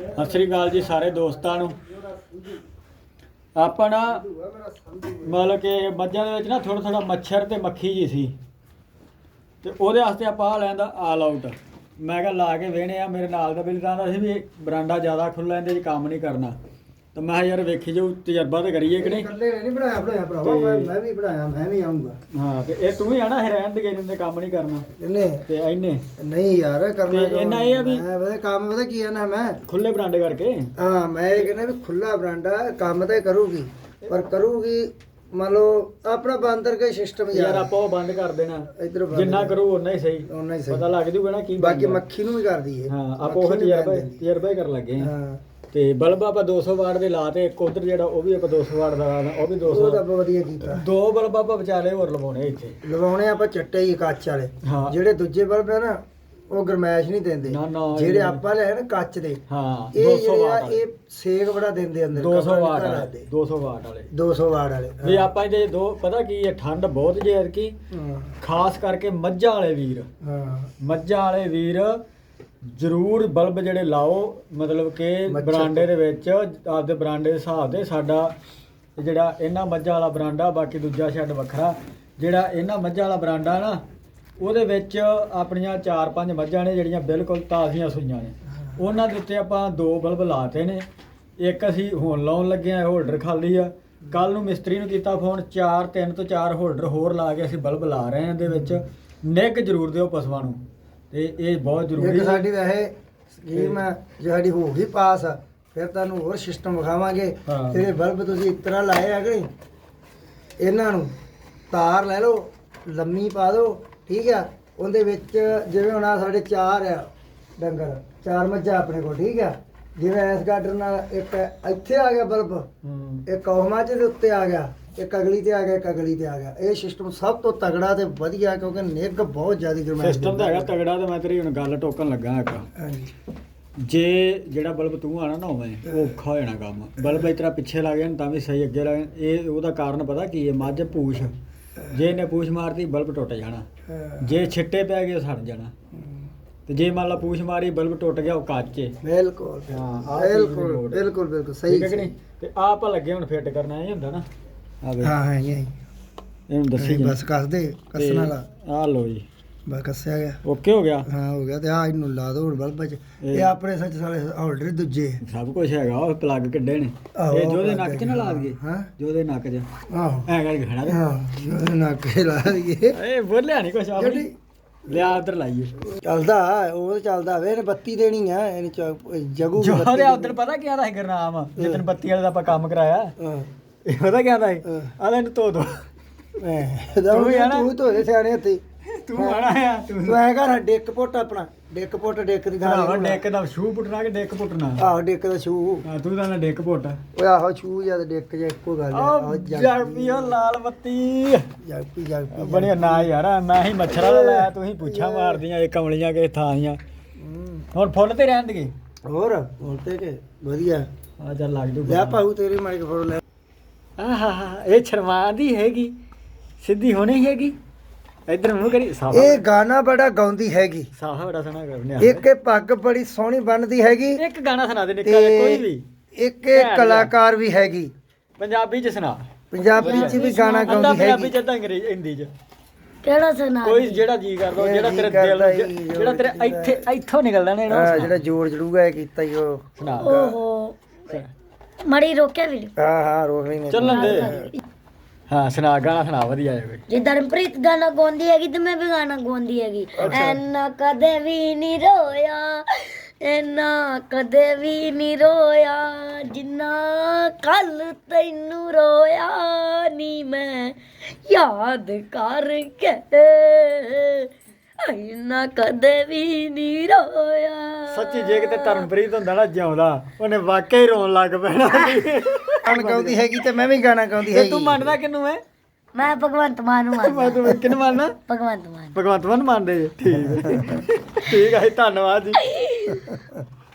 ਸਤਿ ਸ੍ਰੀ ਅਕਾਲ ਜੀ ਸਾਰੇ ਦੋਸਤਾਂ ਨੂੰ। ਆਪਾਂ ਨਾ ਮਤਲਬ ਕਿ ਮੱਝਾਂ ਦੇ ਵਿੱਚ ਨਾ ਥੋੜਾ ਥੋੜਾ ਮੱਛਰ ਤੇ ਮੱਖੀ ਜੀ ਸੀ ਤੇ ਉਹਦੇ ਵਾਸਤੇ ਆਪਾਂ ਲੈਂਦਾ ਆਲ ਆਊਟ। ਮੈਂ ਕਿਹਾ ਲਾ ਕੇ ਵੇਹਣੇ ਆ। ਮੇਰੇ ਨਾਲ ਦਾ ਬਿੱਲ ਕਹਿੰਦਾ ਸੀ ਵੀ ਬਰਾਂਡਾ ਜ਼ਿਆਦਾ ਖੁੱਲ੍ਹਾ ਇਹਦੇ 'ਚ ਕੰਮ ਨਹੀਂ ਕਰਨਾ, ਤਾਂ ਮੈਂ ਯਾਰ ਵੇਖੀ ਜਾਊ ਤਜਰਬਾ ਤੇ ਕਰੀਏ ਕਿ ਨਹੀਂ। ਇਕੱਲੇ ਨਹੀਂ ਬਣਾਇਆ ਭਰਾਵਾ, ਮੈਂ ਵੀ ਬਣਾਇਆ, ਮੈਂ ਵੀ ਆਉਂਗਾ। ਹਾਂ ਤੇ ਇਹ ਤੂੰ ਵੀ ਆਣਾ ਰਹਿਣ ਦੇ ਦੇ ਕੰਮ ਨਹੀਂ ਕਰਨਾ ਇਹਨੇ ਤੇ ਇਹਨੇ ਨਹੀਂ ਯਾਰ ਕਰਨਾ। ਇਹਨਾਂ ਇਹ ਆ ਵੀ ਮੈਂ ਪਤਾ ਕੰਮ ਪਤਾ ਕੀ ਆ ਨਾ, ਮੈਂ ਖੁੱਲੇ ਬਰਾਂਡੇ ਕਰਕੇ ਹਾਂ ਮੈਂ ਇਹ ਕਹਿੰਦਾ ਵੀ ਖੁੱਲਾ ਬਰਾਂਡਾ ਕੰਮ ਤਾਂ ਕਰੂਗੀ, ਪਰ ਕਰੂਗੀ ਮੰਨ ਲਓ ਆਪਣਾ ਬੰਦ ਕਰਕੇ ਸਿਸਟਮ ਯਾਰ ਆਪਾਂ ਉਹ ਬੰਦ ਕਰ ਦੇਣਾ। ਇਧਰ ਜਿੰਨਾ ਕਰੂ ਓਨਾ ਹੀ ਸਹੀ, ਉਹਨਾਂ ਹੀ ਸਹੀ ਪਤਾ ਲੱਗ ਜੂਗਾ ਨਾ ਕੀ ਬਾਕੀ ਮੱਖੀ ਨੂੰ ਵੀ ਕਰਦੀ ਹੈ। ਹਾਂ ਆਪਾਂ ਉਹ ਤਜਰਬਾ ਹੀ ਕਰਨ ਲੱਗੇ ਹਾਂ। ਤੇ ਬਲਬ ਆਪਾਂ 200 ਵਾਟ ਦੇ ਲਾ ਤੇ ਇੱਕ ਉਧਰ ਜਿਹੜਾ ਉਹ ਵੀ ਆਪਾਂ 200 ਵਾਟ ਦਾ ਲਾਣਾ, ਉਹ ਵੀ 200। ਉਹ ਤਾਂ ਆਪਾਂ ਵਧੀਆ ਕੀਤਾ। ਦੋ ਬਲਬ ਆਪਾਂ ਵਿਚਾਲੇ ਹੋਰ ਲਵਾਉਣੇ ਇੱਥੇ, ਲਵਾਉਣੇ ਆਪਾਂ ਚੱਟੇ ਹੀ ਕੱਚ ਵਾਲੇ। ਹਾਂ ਜਿਹੜੇ ਦੂਜੇ ਬਲਬ ਆ ਨਾ ਉਹ ਗਰਮੈਸ਼ ਨਹੀਂ ਦਿੰਦੇ, ਨਾ ਨਾ ਜਿਹੜੇ ਆਪਾਂ ਲਏ ਨਾ ਕੱਚ ਦੇ। ਹਾਂ ਇਹ 200 ਜਿਹੜੇ ਆ ਵਾਟ ਇਹ ਸੇਕ ਬੜਾ ਦਿੰਦੇ ਅੰਦਰ। 200 ਵਾਟ ਵਾਲੇ 200 ਵਾਟ ਵਾਲੇ 200 ਵਾਟ ਵਾਲੇ ਵੀ ਆਪਾਂ ਇਹਦੇ ਦੋ ਪਤਾ ਕੀ ਹੈ, ਠੰਡ ਬਹੁਤ ਜੇ ਐਤਕੀ, ਖਾਸ ਕਰਕੇ ਮੱਝਾਂ ਵਾਲੇ ਵੀਰ। ਹਾਂ ਮੱਝਾਂ ਵਾਲੇ ਵੀਰ ਜ਼ਰੂਰ ਬਲਬ ਜਿਹੜੇ ਲਾਓ, ਮਤਲਬ ਕਿ ਬਰਾਂਡੇ ਦੇ ਵਿੱਚ ਆਪਦੇ ਬਰਾਂਡੇ ਦੇ ਹਿਸਾਬ ਦੇ। ਸਾਡਾ ਜਿਹੜਾ ਇਹਨਾਂ ਮੱਝਾਂ ਵਾਲਾ ਬਰਾਂਡਾ, ਬਾਕੀ ਦੂਜਾ ਸ਼ੈੱਡ ਵੱਖਰਾ। ਜਿਹੜਾ ਇਹਨਾਂ ਮੱਝਾਂ ਵਾਲਾ ਬਰਾਂਡਾ ਨਾ, ਉਹਦੇ ਵਿੱਚ ਆਪਣੀਆਂ 4-5 ਮੱਝਾਂ ਨੇ ਜਿਹੜੀਆਂ ਬਿਲਕੁਲ ਤਾਜ਼ੀਆਂ ਸੂਈਆਂ ਨੇ। ਉਹਨਾਂ ਦੇ ਉੱਤੇ ਆਪਾਂ 2 ਬਲਬ ਲਾਤੇ ਨੇ। ਇੱਕ ਅਸੀਂ ਹੁਣ ਲਾਉਣ ਲੱਗੇ ਆ, ਹੋਲਡਰ ਖਾਲੀ ਆ। ਕੱਲ ਨੂੰ ਮਿਸਤਰੀ ਨੂੰ ਕੀਤਾ ਫੋਨ, 3 ਤੋਂ 4 ਹੋਲਡਰ ਹੋਰ ਲਾ ਕੇ ਅਸੀਂ ਬਲਬ ਲਾ ਰਹੇ ਹਾਂ। ਇਹਦੇ ਵਿੱਚ ਨਿੱਘ ਜ਼ਰੂਰ ਦਿਓ ਪਸ਼ੂਆਂ ਨੂੰ, ਤੇ ਇਹ ਬਹੁਤ ਜ਼ਰੂਰੀ ਹੈ। ਸਾਡੀ ਵੈਸੇ ਸਕੀਮ ਜੇ ਸਾਡੀ ਹੋ ਗਈ ਪਾਸ, ਫਿਰ ਤੁਹਾਨੂੰ ਹੋਰ ਸਿਸਟਮ ਵਿਖਾਵਾਂਗੇ। ਤੇਰੇ ਬਲਬ ਤੁਸੀਂ ਇਸ ਤਰ੍ਹਾਂ ਲਾਏ ਆ ਕਿ ਨਹੀਂ, ਇਹਨਾਂ ਨੂੰ ਤਾਰ ਲੈ ਲਓ, ਲੰਮੀ ਪਾ ਦਿਓ, ਠੀਕ ਆ। ਉਹਦੇ ਵਿੱਚ ਜਿਵੇਂ ਹੁਣ ਆ ਸਾਡੇ 4 ਆ ਡੰਗਰ, 4 ਮੱਝਾਂ ਆਪਣੇ ਕੋਲ, ਠੀਕ ਆ। ਜਿਵੇਂ ਇਸ ਗਾਡਰ ਨਾਲ ਇੱਕ ਇੱਥੇ ਆ ਗਿਆ ਬਲਬ, ਇੱਕ ਉਹ ਮੱਝ ਦੇ ਉੱਤੇ ਆ ਗਿਆ, ਇੱਕ ਅਗਲੀ ਤੇ ਆ ਗਿਆ, ਇੱਕ ਅਗਲੀ ਤੇ ਆ ਗਿਆ। ਇਹ ਸਿਸਟਮ ਸਭ ਤੋਂ ਤਗੜਾ ਤੇ ਵਧੀਆ, ਕਿਉਂਕਿ ਨਿੱਘ ਬਹੁਤ ਜ਼ਿਆਦਾ ਗਰਮੈਸ਼ ਸਿਸਟਮ ਤਾਂ ਹੈਗਾ ਤਗੜਾ। ਤੇ ਮੈਂ ਤੇਰੀ ਹੁਣ ਗੱਲ ਟੋਕਣ ਲੱਗਾ ਇੱਕ। ਹਾਂਜੀ। ਜੇ ਜਿਹੜਾ ਬਲਬ ਤੂੰ ਆਣਾ ਨਾ ਹੋਵੇ, ਉਹ ਔਖਾ ਹੋ ਜਾਣਾ ਕੰਮ। ਬਲਬ ਇਸ ਤਰ੍ਹਾਂ ਪਿੱਛੇ ਲੱਗ ਜਾਣ ਤਾਂ ਵੀ ਸਹੀ, ਅੱਗੇ ਲੱਗ ਜਾਣ। ਇਹ ਉਹਦਾ ਕਾਰਨ ਪਤਾ ਕੀ ਹੈ? ਮੱਝ ਪੂਛ, ਜੇ ਇਹਨੇ ਪੂਛ ਮਾਰਤੀ ਬਲਬ ਟੁੱਟ ਜਾਣਾ। ਜੇ ਛਿੱਟੇ ਪੈ ਗਏ ਸੜ ਜਾਣਾ। ਤੇ ਜੇ ਮੰਨ ਲਾ ਪੂਛ ਮਾਰੀ ਬਲਬ ਟੁੱਟ ਗਿਆ, ਉਹ ਕੱਚੇ। ਬਿਲਕੁਲ ਹਾਂ ਬਿਲਕੁਲ ਬਿਲਕੁਲ ਬਿਲਕੁਲ ਸਹੀ ਠੀਕ ਹੈ ਕਿ ਨਹੀਂ? ਤੇ ਆਹ ਆਪਾਂ ਲੱਗੇ ਹੁਣ ਫਿੱਟ ਕਰਨਾ, ਇਹ ਹੁੰਦਾ ਨਾ। ਆ ਵੇ ਹਾਂ ਇਹ ਇਹਨੂੰ ਦੱਸੀ ਬਸ ਕੱਸ ਦੇ, ਕੱਸਣ ਵਾਲਾ। ਆਹ ਲੋ ਜੀ, ਬਸ ਕੱਸਿਆ ਗਿਆ। ਓਕੇ ਹੋ ਗਿਆ। ਹਾਂ ਹੋ ਗਿਆ। ਤੇ ਆ ਇਹਨੂੰ ਲਾ ਦੋ ਹੁਣ ਬਲਬ 'ਚ। ਇਹ ਆਪਣੇ ਸੱਚ ਸਾਰੇ ਹੋਲਡਰ ਦੂਜੇ ਸਭ ਕੁਝ ਹੈਗਾ। ਉਹ ਪਲੱਗ ਕਿੱਡੇ ਨੇ, ਇਹ ਜੋਦੇ ਨੱਕ 'ਚ ਨਾ ਲਾ ਦਈਏ। ਹਾਂ ਜੋਦੇ ਨੱਕ 'ਚ ਆਹੋ ਐ ਕਰਕੇ ਖੜਾ ਦੇ। ਹਾਂ ਜੋਦੇ ਨੱਕ 'ਚ ਲਾ ਦਈਏ। ਇਹ ਬੋਲਿਆ ਨਹੀਂ ਕੁਛ ਆਪਣੀ। ਲਿਆ ਉਧਰ ਲਾਈਏ। ਚੱਲਦਾ ਉਹ ਚੱਲਦਾ ਵੇ। ਇਹਨੇ ਬੱਤੀ ਦੇਣੀ ਆ, ਇਹਨੇ ਜਗੂ ਜੋਦੇ ਉਧਰ ਪਤਾ ਕੀ ਆਦਾ ਸੀ ਗੁਰਨਾਮ, ਜਿੱਦਣ ਬੱਤੀ ਵਾਲੇ ਦਾ ਆਪਾਂ ਕੰਮ ਕਰਾਇਆ। ਹਾਂ ਇਹ ਪਤਾ ਕੀ ਆਦਾ ਸੀ? ਆਦਾ ਇਹਨੂੰ ਧੋ ਦੋ। ਤੂੰ ਧੋਦੇ ਸਿਆਣੇ ਹੱਥੀ। ਤੂੰ ਆਣਾ ਆ, ਤੂੰ ਐ ਕਰ ਡਿੱਕ ਪੁੱਟ ਆਪਣਾ, ਡਿੱਕ ਪੁੱਟ, ਡਿੱਕ ਦੀ ਥਾਂ ਡਿੱਕ ਦਾ ਸ਼ੂ ਪੁੱਟਣਾ ਕਿ ਡਿੱਕ ਪੁੱਟਣਾ? ਆਹੋ ਡਿੱਕ ਦਾ ਸ਼ੂ। ਤੂੰ ਤਾਂ ਡਿੱਕ ਪੁੱਟ। ਓਏ ਆਹੋ ਸ਼ੂ ਜਾਂ ਡਿੱਕ ਜਾਂ ਇੱਕੋ ਗੱਲ ਆ। ਜਗਪੀਓ ਲਾਲ ਬੱਤੀ ਜਗਪੀ ਬਣਿਆ ਨਾ ਯਾਰ। ਮੈਂ ਹੀ ਮੱਛਰਾਂ ਦਾ ਲਾਇਆ, ਤੁਸੀਂ ਪੁੱਛਾਂ ਮਾਰਦੀਆਂ ਇਹ ਕਮਲੀਆਂ ਕਿਸੇ ਥਾਂ ਦੀਆਂ। ਹੁਣ ਫੁੱਲ ਤੇ ਰਹਿਣ ਦੇ ਹੋਰ ਤੇ ਕਿ ਵਧੀਆ। ਆ ਚੱਲ ਲੱਗ ਜੂ। ਲੈ ਪਾਉ ਤੇਰੀ ਮਾਈਕ ਫੋਟੋ ਲੈ। ਆਹਾ ਇਹ ਸ਼ਰਮਾ ਦੀ ਹੈਗੀ, ਸਿੱਧੀ ਹੋਣੀ ਹੈਗੀ। ਇਧਰ ਮੂੰਹ ਕਰੀ। ਇਹ ਗਾਣਾ ਬੜਾ ਗਾਉਂਦੀ ਹੈਗੀ, ਸਾਹਾ ਬੜਾ ਸੋਹਣਾ ਕਰਨੇ। ਇੱਕ ਇਹ ਪੱਗ ਬੜੀ ਸੋਹਣੀ ਬਣਦੀ ਹੈਗੀ। ਇੱਕ ਗਾਣਾ ਸੁਣਾ ਦੇ ਨਿੱਕਾ ਜਿਹਾ ਕੋਈ ਵੀ। ਇੱਕ ਇਹ ਕਲਾਕਾਰ ਵੀ ਹੈਗੀ। ਪੰਜਾਬੀ ਚ ਸੁਣਾ। ਪੰਜਾਬੀ ਚ ਵੀ ਗਾਣਾ ਗਾਉਂਦੀ ਹੈਗੀ। ਪੰਜਾਬੀ ਚ ਤਾਂ ਅੰਗਰੇਜ਼ੀ ਹਿੰਦੀ ਚ ਕਿਹੜਾ ਸੁਣਾ? ਕੋਈ ਜਿਹੜਾ ਜੀ ਕਰਦਾ, ਜਿਹੜਾ ਤੇਰੇ ਦਿਲ, ਜਿਹੜਾ ਤੇਰੇ ਇੱਥੋਂ ਨਿਕਲਦਾ ਨਾ, ਹਾਂ ਜਿਹੜਾ ਜੋੜ ਜੜੂਗਾ ਇਹ ਕੀਤਾ ਹੀ ਉਹ ਸੁਣਾ। ਓਹੋ ਮੜੀ ਰੋਕਿਆ ਵੀਡੀਓ। ਹਾਂ ਹਾਂ ਰੋਕ ਲਈ ਨੇ। ਚੱਲਣ ਦੇ। ਹਾਂ ਸੁਣਾ, ਗਾਣਾ ਸੁਣਾ ਵਧੀਆ ਜਿਹਾ ਕੋਈ। ਜੇ ਦਰਮਪ੍ਰੀਤ ਗਾਣਾ ਗਾਉਂਦੀ ਹੈਗੀ ਤੇ ਮੈਂ ਵੀ ਗਾਣਾ ਗਾਉਂਦੀ ਹੈਗੀ। ਐਨਾ ਕਦੇ ਵੀ ਨਹੀਂ ਰੋਇਆ, ਐਨਾ ਕਦੇ ਵੀ ਨਹੀਂ ਰੋਇਆ, ਜਿੰਨਾ ਕੱਲ ਤੈਨੂੰ ਰੋਇਆ ਨੀ ਮੈਂ ਯਾਦ ਕਰਕੇ। ਐਨਾ ਕਦੇ ਵੀ ਨਹੀਂ ਰੋਇਆ। ਸੱਚੀ ਜੇ ਕਿਤੇ ਧਰਮਪ੍ਰੀਤ ਹੁੰਦਾ ਨਾ ਜਿਉਂਦਾ, ਉਹਨੇ ਵਾਕਿਆ ਹੀ ਰੋਣ ਲੱਗ ਪੈਣਾ। ਗਾਣਾ ਗਾਉਂਦੀ ਹੈਗੀ ਤੇ ਮੈਂ ਵੀ ਗਾਣਾ ਗਾਉਂਦੀ ਹੈਗੀ। ਤੂੰ ਮੰਨਦਾ ਕਿਹਨੂੰ ਹੈ? ਮੈਂ ਭਗਵੰਤ ਮਾਨ ਨੂੰ ਮੰਨਦਾ। ਤੂੰ ਕਿਹਨੂੰ ਮੰਨਦਾ? ਭਗਵੰਤ ਮਾਨ। ਭਗਵੰਤ ਮਾਨ ਮੰਨਦੇ ਜੀ। ਠੀਕ ਹੈ, ਠੀਕ ਹੈ ਜੀ, ਧੰਨਵਾਦ ਜੀ।